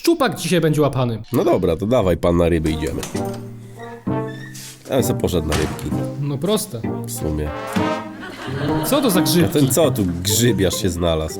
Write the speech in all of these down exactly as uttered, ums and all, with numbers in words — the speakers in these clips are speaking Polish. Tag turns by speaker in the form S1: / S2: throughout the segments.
S1: szczupak dzisiaj będzie łapany.
S2: No dobra, to dawaj pan na ryby idziemy. Ja bym sobie poszedł na rybki,
S1: No proste.
S2: w sumie.
S1: Co to za
S2: A
S1: grzybki?
S2: ten co tu grzybiarz się znalazł?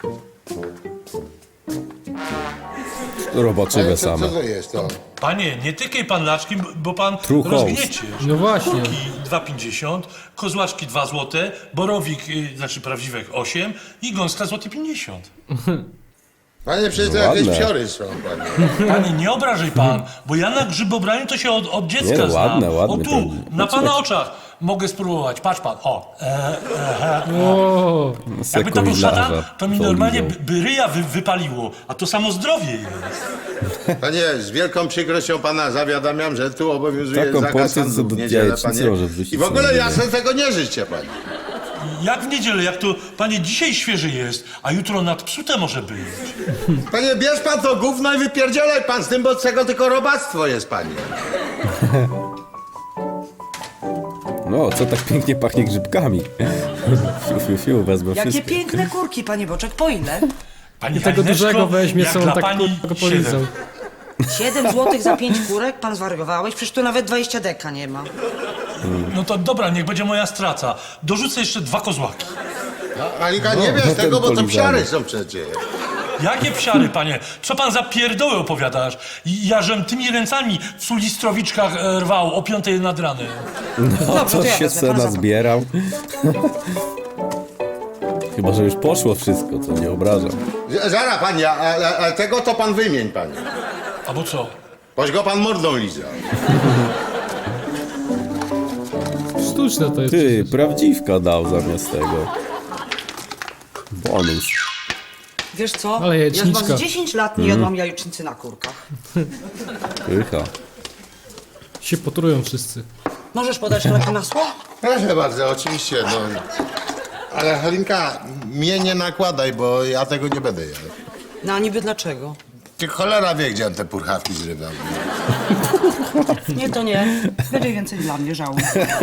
S2: Robaczywe
S3: Co,
S2: same.
S3: co to jest to?
S4: Panie, nie tykaj pan laczkiem, bo pan
S2: True host.
S4: rozgniecie.
S1: No właśnie.
S4: Kurki dwa pięćdziesiąt, kozłaczki dwa złote, borowik, y, znaczy prawdziwek osiem i gąska złoty pięćdziesiąt.
S3: Panie, przecież to
S2: No
S3: jakieś
S2: ładne.
S3: psiory są, panie.
S4: Panie, nie obrażaj pan, bo ja na grzybobraniu to się od, od dziecka
S2: Nie,
S4: znam.
S2: ładne, ładne
S4: O tu,
S2: ten-
S4: na pana oczach mogę spróbować. Patrz pan, o. E, e, e.
S1: O,
S4: Jakby to był szatan,
S2: Sekowilarza
S4: to mi normalnie by,
S2: polizał.
S4: by ryja wy, wypaliło, a to samo zdrowie jest.
S3: Panie, z wielką przykrością pana zawiadamiam, że tu obowiązuje
S2: Taką
S3: zakaz
S2: porcję
S3: handlu w
S2: co do
S3: niedzielę,
S2: jajecznicy
S3: panie.
S2: może wrzucić
S3: I w ogóle
S2: sobie
S3: ja
S2: na
S3: sobie tego nie życzę, panie.
S4: Jak w niedzielę, jak to, panie, dzisiaj świeży jest, a jutro nadpsute może być.
S3: Panie, bierz pan to gówno i wypierdzielaj pan z tym, bo z tego tylko robactwo jest, panie.
S2: No, co tak pięknie pachnie grzybkami. Fiu, fiu, fiu, wezmę
S5: Jakie
S2: wszystkie.
S5: piękne kurki, panie Boczek, po ile?
S4: Pani
S1: tego
S4: Halineczko,
S1: dużego weźmie,
S4: jak
S1: co on
S4: dla
S1: tak
S4: pani
S1: kurwa go polizał.
S4: siedem.
S5: Siedem złotych za pięć kurek? Pan zwariowałeś? Przecież tu nawet dwadzieścia deka nie ma.
S4: No to dobra, niech będzie moja strata. Dorzucę jeszcze dwa kozłaki.
S3: No, Alika, nie
S2: No,
S3: bierz
S2: ten
S3: tego, bo to
S2: polizany.
S3: psiary są przecież.
S4: Jakie psiary, panie? Co pan za pierdoły opowiadasz? I ja żem tymi ręcami w sulistrowiczkach e, rwał o piątej nad ranem.
S2: No,
S5: Dobrze, to ja
S2: coś się
S5: wezmę, pan
S2: cena
S5: zapał.
S2: zbierał. Chyba, że już poszło wszystko, co nie obrażam.
S3: Z- Zara, panie, ale, ale tego to pan wymień, panie.
S4: Albo co?
S3: Boś go pan mordą lizał.
S1: sztuczne to jest.
S2: Ty,
S1: przecież.
S2: prawdziwka dał zamiast tego. Bonus.
S5: Wiesz co?
S1: Ale
S5: ja
S1: jajeczniczka.
S5: chyba z dziesięć lat nie jadłam jajecznicy na kurkach.
S2: Pycha.
S1: Się potrują wszyscy.
S5: Możesz podać trochę masła?
S3: Proszę bardzo, oczywiście, no. Ale Halinka, mnie nie nakładaj, bo ja tego nie będę jadł.
S5: No a niby dlaczego?
S3: Ty cholera wie, gdzie on te purchawki zrywał.
S5: Nie, to nie. Będzie więcej dla mnie, żałuję.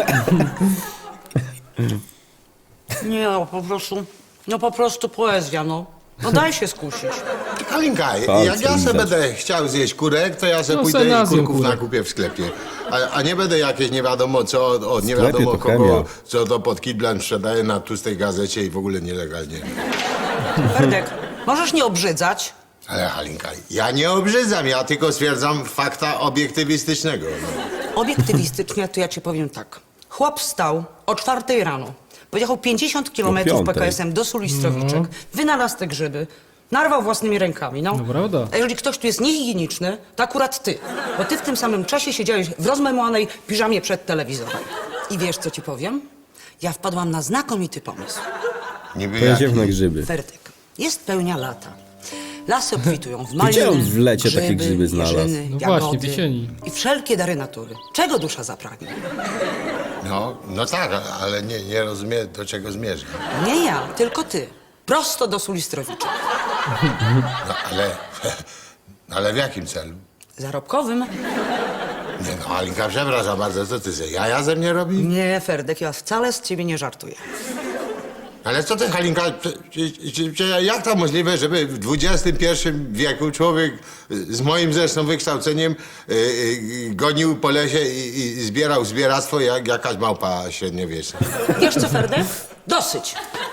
S5: Nie, no po prostu, no po prostu poezja, no. No daj się skusić.
S3: Halinka,
S2: Palce
S3: jak ja sobie
S2: lizać.
S3: będę chciał zjeść kurek, to ja sobie
S1: No,
S3: pójdę
S1: se na
S3: i
S1: zjem
S3: kurków
S1: kurek.
S3: nakupię w sklepie. A, a nie będę jakieś nie wiadomo co, od, od nie
S2: sklepie
S3: wiadomo
S2: to
S3: kogo,
S2: chemia.
S3: co to pod kidlem sprzedaje na tłustej gazecie i w ogóle nielegalnie.
S5: Ferdek, możesz nie obrzydzać?
S3: Ale Halinka, ja nie obrzydzam, ja tylko stwierdzam fakta obiektywistycznego. No.
S5: Obiektywistycznie to ja ci powiem tak. Chłop wstał o czwartej rano, pojechał pięćdziesiąt kilometrów
S2: piątej.
S5: P K S-em do Sulistrowiczek, wynalazł te grzyby, narwał własnymi rękami, no.
S1: No prawda.
S5: A jeżeli ktoś tu jest niehigieniczny, to akurat ty. Bo ty w tym samym czasie siedziałeś w rozmemłanej piżamie przed telewizorem. I wiesz, co ci powiem? Ja wpadłam na znakomity pomysł.
S3: Niby
S2: Pojedziemy
S3: jaki?
S2: na grzyby.
S5: Ferdek, jest pełnia lata. Lasy obfitują w
S2: Gdzie
S5: maliny,
S2: on w lecie takie
S5: grzyby,
S2: grzyby znalazł?
S5: jeżyny,
S1: No
S5: jagody
S1: właśnie, w jesieni.
S5: i wszelkie dary natury. Czego dusza zapragnie?
S3: No, no tak, ale nie, nie rozumiem, do czego zmierza.
S5: Nie ja, tylko ty. Prosto do Sulistrowiczek.
S3: No, ale, ale w jakim celu?
S5: Zarobkowym?
S3: Nie no, Halinka, przepraszam bardzo, co ty sobie jaja ze mnie robi?
S5: Nie, Ferdek, ja wcale z ciebie nie żartuję.
S3: Ale co ty, Halinka, czy, czy, czy, czy, jak to możliwe, żeby w dwudziestym pierwszym wieku człowiek z moim zresztą wykształceniem y, y, gonił po lesie i, i zbierał zbieractwo jak jakaś małpa średniowieczna?
S5: Wiesz co, Ferdek? Dosyć.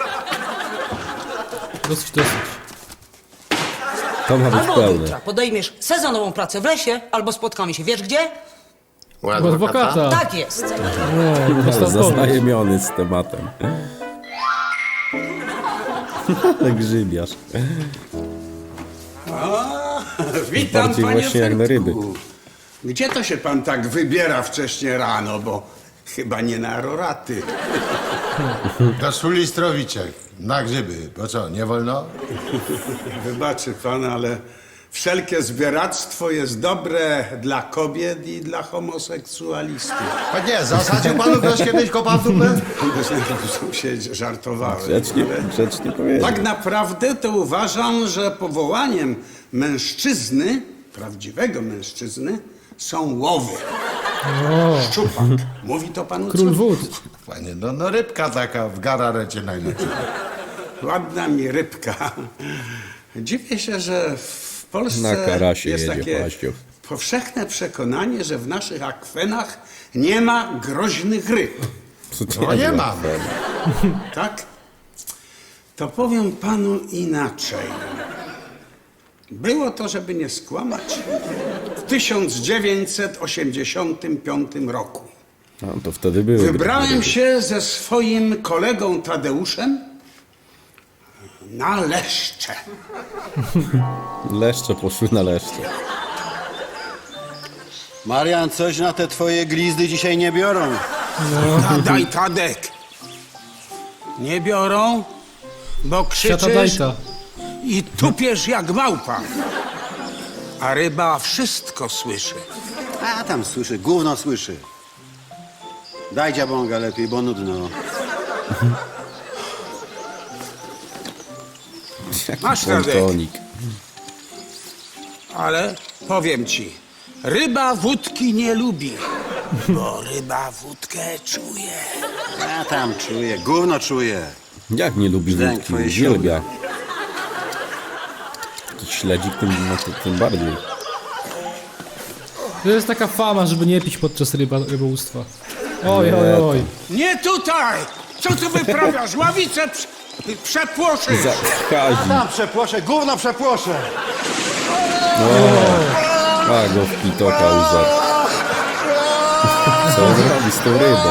S1: Dosyć, dosyć.
S2: To ma być
S5: Albo od
S2: pełne.
S5: jutra podejmiesz sezonową pracę w lesie, albo spotkamy się. Wiesz gdzie?
S3: U
S1: U adwokata.
S5: Tak jest.
S1: No,
S2: Ale
S1: dostał pomysł.
S2: zaznajomiony z tematem. Ale grzybiarz.
S6: Witam,
S2: Bardziej
S6: panie
S2: właśnie jak na ryby.
S6: Fredku. Gdzie to się pan tak wybiera wcześnie rano, bo chyba nie na roraty.
S3: Do Sulistrowiczek, na grzyby, bo co, nie wolno?
S6: Wybaczy pan, ale wszelkie zbieractwo jest dobre dla kobiet i dla homoseksualistów.
S3: A nie, zasadził panu ktoś kiedyś kopa w dupę?
S6: się żartowałem.
S2: Grzecznie, grzecznie powiedział.
S6: Tak naprawdę to uważam, że powołaniem mężczyzny, prawdziwego mężczyzny, są łowy. Szczupak. Mówi to panu
S1: Król
S6: coś?
S1: wód.
S3: Panie, no, no rybka taka w gararecie najlepiej.
S6: Ładna mi rybka. Dziwię się, że w Polsce
S2: Na karasie
S6: jest
S2: jedzie
S6: takie
S2: paścią.
S6: powszechne przekonanie, że w naszych akwenach nie ma groźnych ryb.
S2: Co to
S3: No nie
S2: za
S3: mam.
S2: afer?
S6: Tak? To powiem panu inaczej. Było to, żeby nie skłamać, w tysiąc dziewięćset osiemdziesiątym piątym roku.
S2: No, to wtedy były.
S6: Wybrałem
S2: gry.
S6: się ze swoim kolegą Tadeuszem na Leszcze.
S2: Leszcze poszły na leszcze.
S7: Marian, coś na te twoje glizdy dzisiaj nie biorą.
S6: Daj, Tadek. Nie biorą, bo
S1: Siata
S6: krzyczysz
S1: dajta.
S6: i tupiesz jak małpa. A ryba wszystko słyszy.
S7: A tam słyszy, gówno słyszy. Daj dziabąga lepiej, bo nudno.
S2: Jaki
S6: Masz, Tadek.
S2: pontonik.
S6: Ale powiem ci, ryba wódki nie lubi, bo ryba wódkę czuje.
S7: A tam czuje, gówno czuje.
S2: Jak nie lubi
S7: Zdęk
S2: wódki?
S7: twoje
S2: Uwielbia. Jakiś śledzik tym, no, to, tym bardziej.
S1: To jest taka fama, żeby nie pić podczas ryba, rybołówstwa. Oj, oj, oj.
S6: Nie tutaj! Co tu wyprawiasz? Ławicę prze, przepłoszysz!
S2: Za Kazi.
S7: Tam przepłoszę, gówno przepłoszę.
S2: A go w pitoka użar. Co on robi z tą rybą?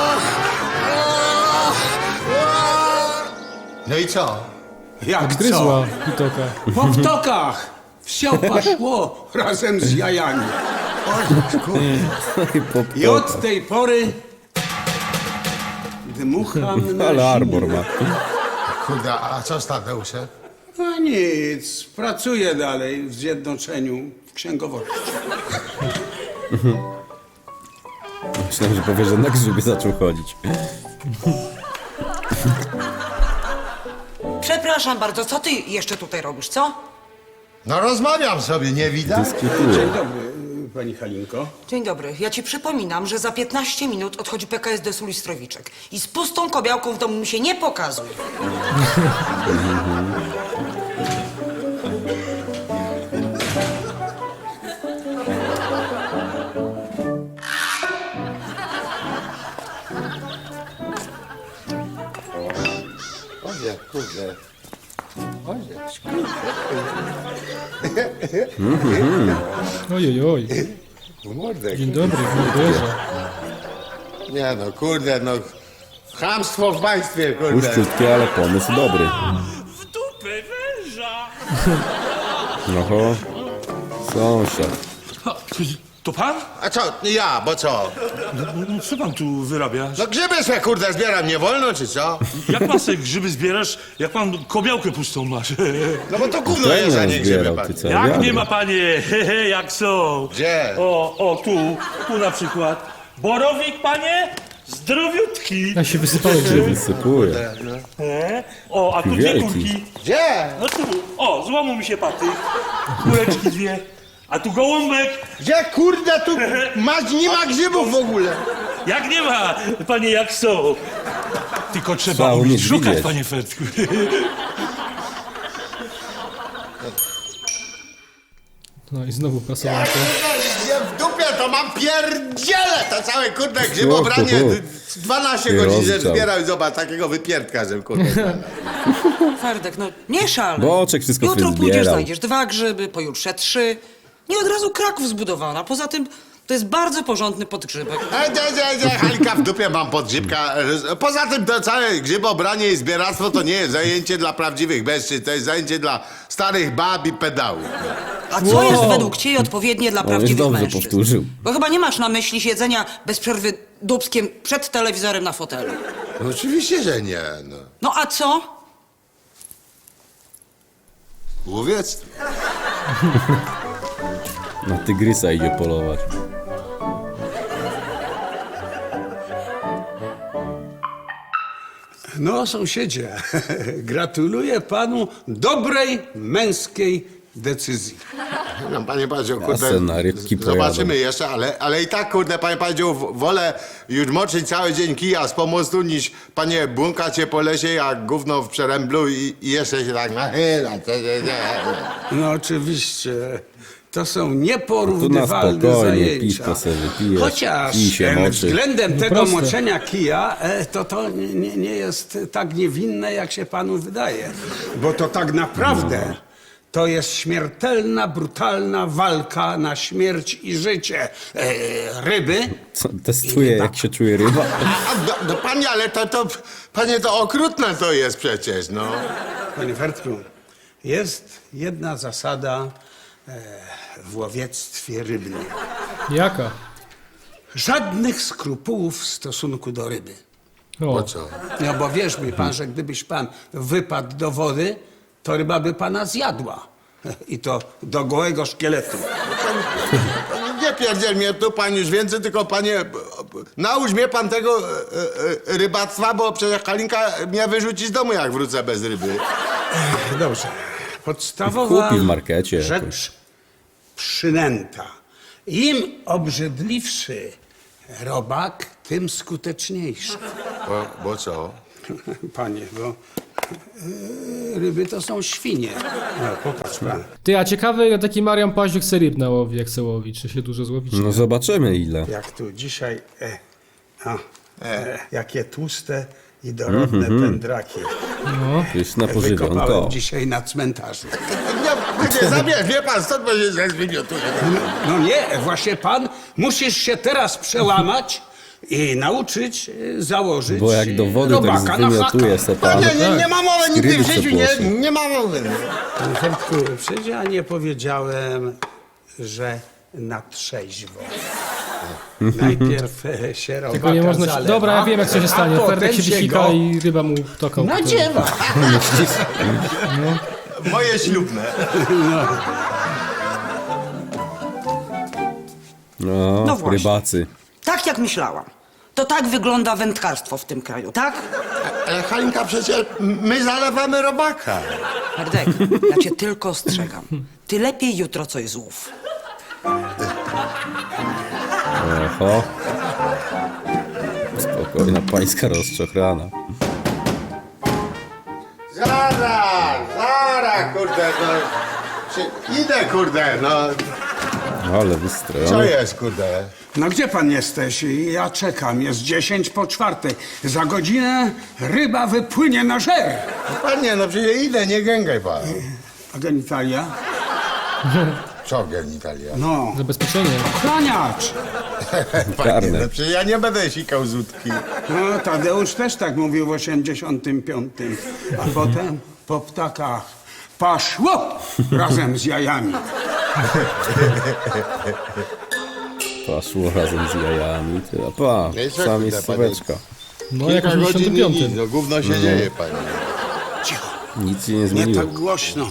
S3: No i co?
S6: Jak
S1: Odgryzła pitoka.
S6: co? Po wtokach! Wsiopa szło razem z jajami.
S2: Po
S6: I od
S2: ptokach.
S6: tej pory dmucham na
S2: Ale arbor
S6: zimno.
S2: ma.
S3: Kurde, a co z Tadeuszem?
S6: No nic, pracuję dalej w zjednoczeniu w księgowości.
S2: Myślałem, że powie, że na grzyby zaczął chodzić.
S5: Przepraszam bardzo, co ty jeszcze tutaj robisz, co?
S3: No rozmawiam sobie, nie widać?
S2: Dyskutuje.
S6: Dzień dobry, pani Halinko.
S5: Dzień dobry. Ja ci przypominam, że za piętnaście minut odchodzi P K S D Sulistrowiczek. I z pustą kobiałką w domu mi się nie pokazuj.
S3: Oje, kurde. Oje,
S1: Ojej, oj.
S3: Mordek.
S1: Dzień dobry, morderza.
S3: Nie no, kurde, no. Chamstwo w państwie, kurde.
S2: Puszczutkie, ale pomysł dobry.
S4: W dupę węża!
S2: Oho. Sąsiad.
S4: To pan?
S3: A co, ja, bo co?
S4: No, co pan tu wyrabiasz?
S3: No grzyby se, kurde, zbieram, nie wolno, czy co?
S4: Jak pan sobie grzyby zbierasz, jak pan kobiałkę pustą masz?
S3: No bo to gówno
S2: To
S3: jest, a
S2: nie
S3: nie grzyby,
S2: zbierał,
S3: pan.
S2: ty co?
S4: Jak
S2: wiadro.
S4: nie ma panie, hehe, jak są.
S3: Gdzie?
S4: O, o, tu, tu na przykład. Borowik, panie, zdrowiutki.
S1: Ja się wysypały grzyby.
S2: Wysypuje.
S4: E? O, a tu dwie
S2: Wielki.
S4: kurki.
S3: Gdzie?
S4: No tu, o, złamał mi się patyk. Kureczki dwie. A tu gołąbek.
S3: Gdzie, kurde, tu ma, nie ma grzybów w ogóle.
S4: Jak nie ma, panie, jak są. Tylko trzeba
S2: Trzeba
S4: umieć
S2: umieć
S4: szukać,
S2: widzieć.
S4: panie Fertku.
S1: No i znowu prasowanko.
S3: Nie w dupie, to mam pierdziele to całe, kurde, grzybobranie.
S2: Uhu.
S3: dwanaście
S2: I
S3: godzin żem
S2: rozgrzał.
S3: zbierał i zobacz, takiego wypierdka, żem, kurde.
S5: Ferdek, no nie szal.
S2: Boczek wszystko
S5: Jutro
S2: sobie
S5: pójdziesz,
S2: zbierał.
S5: znajdziesz dwa grzyby, pojutrze trzy. Nie od razu Kraków zbudowana. Poza tym to jest bardzo porządny podgrzybek.
S3: E, nie, nie, nie, Halika, w dupie mam podgrzybka. Poza tym to całe grzybobranie i zbieractwo to nie jest zajęcie dla prawdziwych mężczyzn, to jest zajęcie dla starych bab i pedałów.
S5: A co jest według ciebie odpowiednie dla
S2: On już
S5: prawdziwych
S2: dobrze
S5: mężczyzn?
S2: powtórzył.
S5: Bo chyba nie masz na myśli siedzenia bez przerwy dubskiem przed telewizorem na fotelu.
S3: No, oczywiście, że nie, no.
S5: No a co?
S3: Łowiectwo.
S2: Na tygrysa idzie polować.
S6: No, sąsiedzie, gratuluję panu dobrej męskiej decyzji.
S3: No, panie Padziu,
S2: Ja
S3: kurde,
S2: se na rybki
S3: z- zobaczymy
S2: pojadę.
S3: jeszcze, ale, ale i tak, kurde, panie Padziu, w- wolę już moczyć cały dzień kija z pomostu, niż, panie, błąkać się po lesie jak gówno w przeręblu i, i jeszcze się tak nachyla.
S6: No oczywiście. To są
S2: Tu na
S6: nieporównywalne
S2: spokojnie,
S6: zajęcia.
S2: piwko sobie wypijesz,
S6: Chociaż
S2: kij się
S6: e,
S2: moczy.
S6: względem tego
S1: proste.
S6: moczenia kija, e, to to nie, nie jest tak niewinne, jak się panu wydaje. Bo to tak naprawdę to jest śmiertelna, brutalna walka na śmierć i życie e, ryby.
S2: Co, testuje, jak się czuje ryba.
S3: A, no, no panie, ale to, to, panie, to okrutne to jest przecież, no.
S6: Panie Fertku, jest jedna zasada e, w łowiectwie rybnym.
S1: Jaka?
S6: Żadnych skrupułów w stosunku do ryby.
S1: O,
S3: Po co?
S6: No bo wierz mi pan, że gdybyś pan wypadł do wody, to ryba by pana zjadła. I to do gołego szkieletu.
S3: Nie pierdziel mnie tu, pan już więcej, tylko panie, naucz mnie pan tego e, e, rybactwa, bo przecież Halinka mnie wyrzuci z domu, jak wrócę bez ryby.
S6: Dobrze. Podstawowa
S2: Kupi w markecie
S6: rzecz
S2: jakoś.
S6: przynęta. Im obrzydliwszy robak, tym skuteczniejszy.
S3: Bo, bo co?
S6: Panie, bo e, ryby to są świnie. No, popatrz pan.
S1: ty, a ciekawe ile taki Marian Paździuk se ryb nałowi, jak se łowi, czy się dużo złowi, czy
S2: No
S1: nie?
S2: zobaczymy ile.
S6: Jak tu dzisiaj, e, a, e, jakie tłuste i dorodne pędraki.
S2: Pyszne
S6: Wykopałem
S2: pożywionko.
S6: dzisiaj na cmentarzu.
S3: Nie, nie zabierz, wie pan, stąd będzie się zwymiotuje.
S6: No nie, właśnie pan musisz się teraz przełamać i nauczyć e, założyć
S2: Bo jak do wody tak
S6: robaka na
S2: zwymiotuje
S6: haka.
S2: se
S3: No
S2: pan.
S3: nie, nie, nie ma mowy, nigdy
S2: Ryby
S3: w życiu
S2: przepłosy.
S3: nie, nie ma mowy.
S6: Panie Fertku, przecież ja nie powiedziałem, że na trzeźwo. Najpierw e, się robaka
S1: Tylko nie można się...
S6: zalewa,
S1: Dobra, ja wiem jak co się
S6: a
S1: stanie.
S6: potem
S1: Ferdek się wysika
S6: go
S1: i ryba mu toką.
S6: nadziewa.
S3: Moje ślubne.
S2: No,
S5: No właśnie.
S2: rybacy.
S5: Tak jak myślałam. To tak wygląda wędkarstwo w tym kraju, tak?
S3: Ale Halinka, przecież my zalewamy robaka.
S5: Ferdek, ja cię tylko ostrzegam. Ty lepiej jutro coś złów.
S2: Oho. Spokojna pańska rozczochrana.
S3: Zaraz, zaraz, kurde, no. Czy- Idę, kurde, no.
S2: Ale
S3: Co
S2: wystrojony.
S3: jest, kurde?
S6: No gdzie pan jesteś? Ja czekam, jest dziesięć po czwartej. Za godzinę ryba wypłynie na żer.
S3: No panie, no przecież idę, nie gęgaj pan.
S6: A genitalia?
S3: Co genitalia?
S6: No,
S1: Zabezpieczenie.
S6: chraniacz.
S3: Panie,
S2: Karne.
S3: no przecież ja nie będę sikał z łódki.
S6: No, Tadeusz też tak mówił w osiemdziesiątym piątym. A potem po ptakach paszło razem z jajami.
S2: Poszło razem z jajami. Ty, a pa,
S3: No i co,
S2: sam
S3: kurde,
S2: jest słóweczka.
S1: No jak w
S3: Kilka godzin i
S1: osiemdziesiątym
S3: nic,
S1: piątym.
S3: no gówno się dzieje, panie.
S6: Cicho,
S2: Nic się nie
S6: nie
S2: zmieniło.
S6: tak głośno.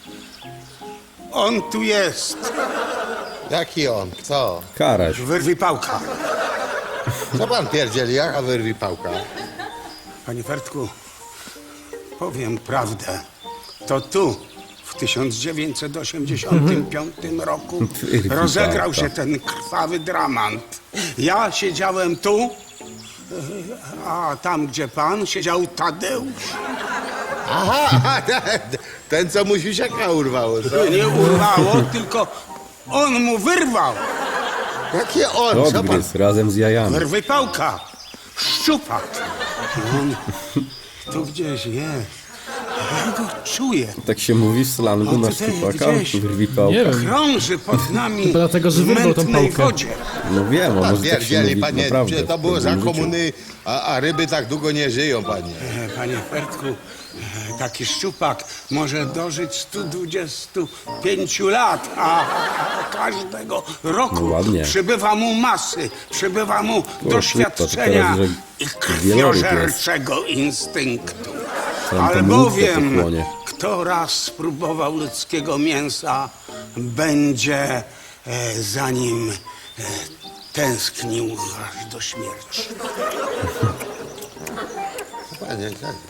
S6: On tu jest.
S3: Jaki on? Co?
S2: Karaś.
S6: Wyrwij pałka.
S3: Co pan pierdzieli? Jaka wyrwi pałka?
S6: Panie Fertku, powiem prawdę. To tu w tysiąc dziewięćset osiemdziesiątym piątym roku
S2: Wyrwij
S6: rozegrał
S2: pałka.
S6: się ten krwawy dramat. Ja siedziałem tu, a tam, gdzie pan, siedział Tadeusz.
S3: Aha, ten, co mu siusiaka urwało, co?
S6: Nie urwało, tylko on mu wyrwał.
S3: Jakie on? Co pan?
S2: Odgryz razem z jajami.
S6: Wyrwij pałka. Szczupak. On tu gdzieś jest. Ja go czuję.
S2: Tak się mówi w slangu
S6: O,
S2: na
S6: tutaj
S2: szczupaka?
S6: gdzieś.
S2: Wyrwi pałka.
S1: Nie wiem.
S6: Krąży pod nami
S1: Chyba dlatego, że
S6: w
S1: wyrwał tą
S6: mętnej
S1: pałkę.
S6: wodzie.
S2: No wiem, a
S3: Pan
S2: może tak się
S3: pierdzieli,
S2: mówi
S3: panie,
S2: naprawdę.
S3: przecież to
S2: w
S3: było za
S2: pewnym życiu.
S3: komuny, a, a ryby tak długo nie żyją, panie.
S6: E, Panie Fertku, e, taki szczupak może dożyć stu dwudziestu pięciu lat, a każdego roku
S2: No ładnie.
S6: przybywa mu masy, przybywa mu
S2: to
S6: doświadczenia
S2: teraz,
S6: i
S2: że wieloryb
S6: krwiożerczego instynktu.
S2: Tam to
S6: Albowiem,
S2: mnóstwo pochłonie.
S6: kto raz spróbował ludzkiego mięsa, będzie e, za nim e, tęsknił aż do śmierci.
S3: Panie,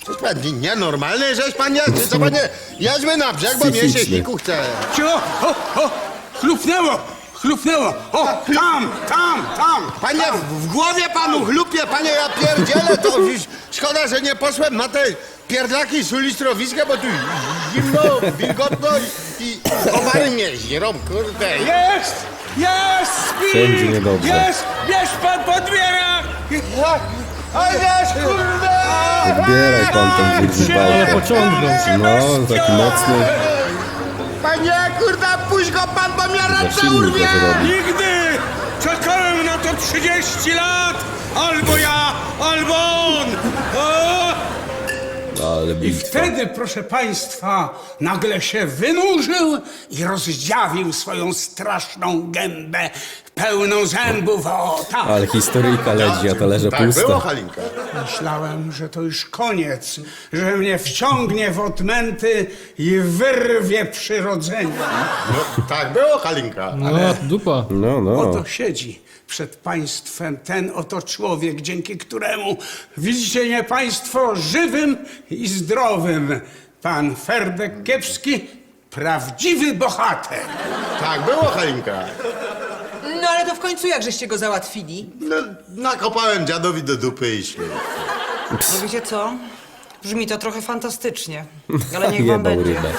S3: To jest pan nie- nienormalny, żeś pan jest? Czy co panie? Jedźmy na brzeg, bo mnie się
S2: Psychiczny.
S3: siku chce.
S6: Cio, o, o, chlupnęło, chlupnęło. O, tam, tam, tam.
S3: Panie, w w głowie panu chlupie, panie, ja pierdzielę, to już szkoda, że nie poszłem na te pierdlaki z ulistrowiska, bo tu zimno, wilgotno i, i komary mnie żrą, kurde.
S6: Jest, jest, śpi.
S2: Wszędzie niedobrze.
S6: Jest, bierz pan podbiera.
S3: Oj, wiesz, kurde!
S2: Odbieraj pan tą wygrzybałkę.
S1: Ale pociągnął.
S2: No, taki mocny.
S3: Panie, kurde, puść go pan, bo mnie
S2: Za
S3: ręce
S2: silny
S3: urwie!
S2: to zrobi.
S6: Nigdy! Czekałem na to trzydzieści lat! Albo ja, albo on! O!
S2: Ale
S6: I
S2: bitwa.
S6: wtedy, proszę państwa, nagle się wynurzył i rozdziawił swoją straszną gębę, pełną zębów. O, tak!
S2: Ale historyjka leci, a talerze
S3: Tak było,
S2: puste.
S3: Halinka.
S6: Myślałem, że to już koniec, że mnie wciągnie w odmęty i wyrwie przyrodzenie.
S3: No, tak było, Halinka.
S1: No, dupa.
S2: No, no.
S6: Oto siedzi przed państwem ten oto człowiek, dzięki któremu widzicie mnie państwo żywym i zdrowym. Pan Ferdek Kiepski, prawdziwy bohater.
S3: Tak było, Halinka.
S8: No ale to w końcu jak żeście go załatwili?
S3: No, nakopałem dziadowi do dupy i śmiech.
S5: No wiecie co? Brzmi to trochę fantastycznie, ale niech wam
S2: Jebał
S5: będzie.
S2: rybę.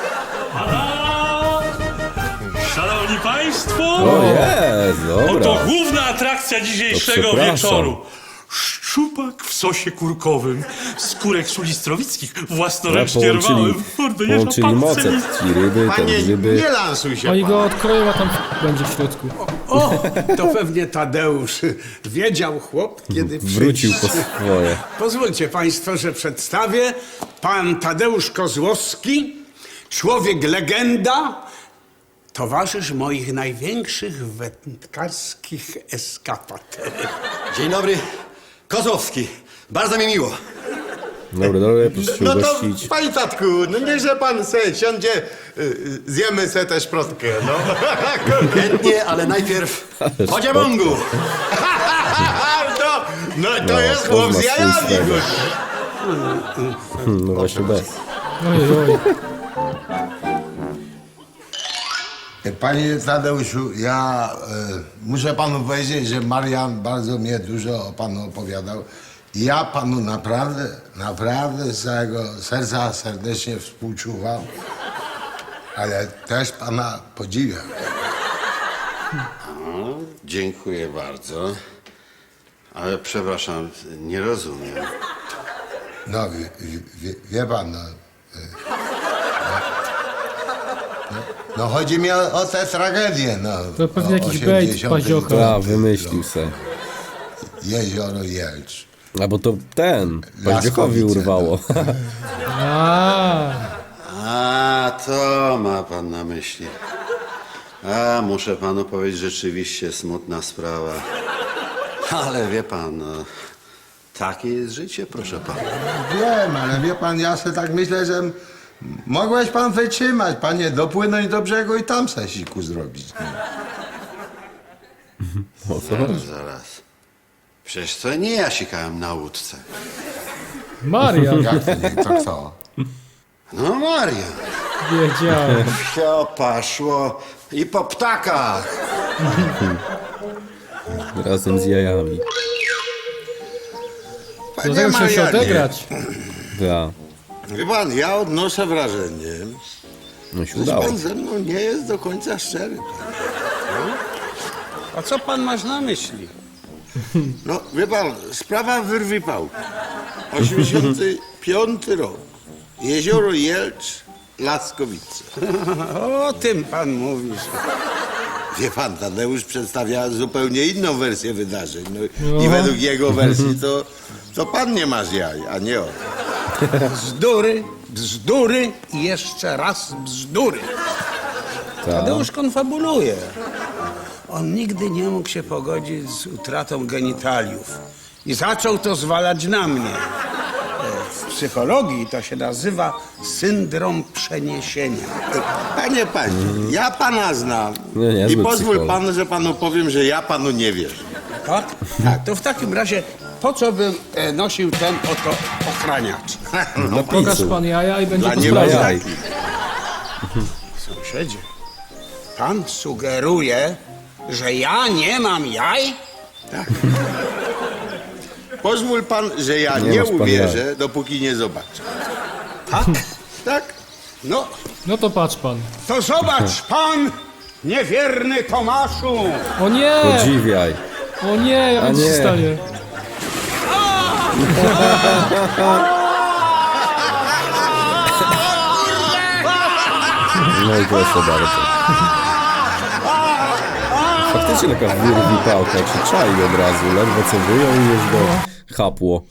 S4: Szanowni Państwo!
S2: O jest,
S4: Oto
S2: dobra.
S4: główna atrakcja dzisiejszego
S2: To przepraszam.
S4: wieczoru. Szczupak w sosie kurkowym, skórek sulistrowickich, własnoręcznie
S2: Połączyli,
S4: rwałem. Kurde, jeża
S2: połączyli
S4: pan
S2: moce.
S4: celi.
S2: Ci ryby, te
S3: Panie,
S2: grzyby.
S3: nie lansuj się
S1: Oni
S3: pan.
S1: go odkroją, a tam będzie w środku.
S6: O, to pewnie Tadeusz wiedział chłop, kiedy
S2: Wrócił
S6: przyjdzie.
S2: po swoje.
S6: Pozwólcie państwo, że przedstawię pan Tadeusz Kozłowski, człowiek legenda, towarzysz moich największych wędkarskich eskapad.
S9: Dzień dobry, Kozłowski. Bardzo mi miło.
S2: Dobra, dobra, proszę się
S3: No to,
S2: ugościć.
S3: panie tatku, no niechże pan se siądzie, y, y, zjemy se tę szprotkę, no.
S9: Chętnie, ale najpierw po dziabągu.
S3: no, no to
S2: No,
S3: jest
S2: pozna
S3: chłop z jajami,
S2: swojego.
S3: kurde.
S2: Hmm, no właśnie bez.
S1: Oj, oj.
S3: Panie Tadeuszu, ja y, muszę panu powiedzieć, że Marian bardzo mnie dużo o panu opowiadał. Ja panu naprawdę, naprawdę z całego serca serdecznie współczuwam, ale też pana podziwiam.
S7: Dziękuję bardzo. Ale przepraszam, nie rozumiem.
S3: No, wie, wie, wie pan, no, y, no, no chodzi mi o, o tę tragedię, no.
S1: To pewnie
S3: o
S1: jakiś bejt
S3: osiemdziesiątym
S1: Pazioka.
S2: A, wymyślił se.
S3: Jezioro Jelcz.
S2: A bo to ten, Paździokowi
S3: Laskowice,
S2: urwało.
S1: A,
S7: A, to ma pan na myśli. A, muszę panu powiedzieć, rzeczywiście smutna sprawa. Ale wie pan, no, takie jest życie, proszę pana.
S3: Wiem, ale wie pan, ja sobie tak myślę, że m- mogłeś pan wytrzymać, panie, dopłynąć do brzegu i tam se siku zrobić. No.
S2: O co chodzi?
S7: Zaraz. Przecież to nie ja sikałem na łódce.
S1: Marian.
S3: Jak to nie, to co?
S7: No Maria.
S1: Wiedziałem.
S7: Wsio paszło i po ptakach.
S2: Razem z jajami.
S1: Do tego trzeba się
S3: Marianie,
S1: odegrać.
S2: Ja.
S3: Wie pan, ja odnoszę wrażenie,
S2: No się
S3: że
S2: udało.
S3: pan ze mną nie jest do końca szczery.
S6: A co pan masz na myśli?
S3: No, wie pan, sprawa wyrwi pałki. osiemdziesiąty piąty rok. Jezioro Jelcz, Laskowice.
S6: O tym pan mówisz.
S3: Wie pan, Tadeusz przedstawia zupełnie inną wersję wydarzeń. No, i według jego wersji to, to pan nie masz jaj, a nie on.
S6: Bzdury, bzdury i jeszcze raz bzdury. Tadeusz konfabuluje. On nigdy nie mógł się pogodzić z utratą genitaliów i zaczął to zwalać na mnie. E, W psychologii to się nazywa syndrom przeniesienia.
S3: Panie, panie, ja pana znam.
S2: No, niezły
S3: I pozwól
S2: psycholog.
S3: pan, że panu powiem, że ja panu nie wierzę.
S6: Tak? Tak, to w takim razie po co bym e, nosił ten oto ochraniacz.
S2: Dla
S1: Pokaż
S2: pisu.
S1: pan jaja i będzie
S3: Dla
S1: po
S3: nie
S2: Dla
S1: sprawie.
S2: jaj.
S6: Sąsiedzie, pan sugeruje, że ja nie mam jaj?
S3: Tak. Pozwól pan, że ja
S2: Nie
S3: nie,
S2: masz pan
S3: uwierzę, dopóki nie zobaczę.
S6: Tak?
S3: Tak?
S6: No,
S1: No to patrz pan.
S6: to zobacz pan, niewierny Tomaszu.
S1: O nie!
S2: Podziwiaj.
S1: O nie, jak
S2: A
S1: nic się
S2: nie.
S1: stanie.
S2: No i proszę bardzo. Faktycznie taka wyrwi pałka, czy czai od razu, ledwo co wyjął i już go chapło.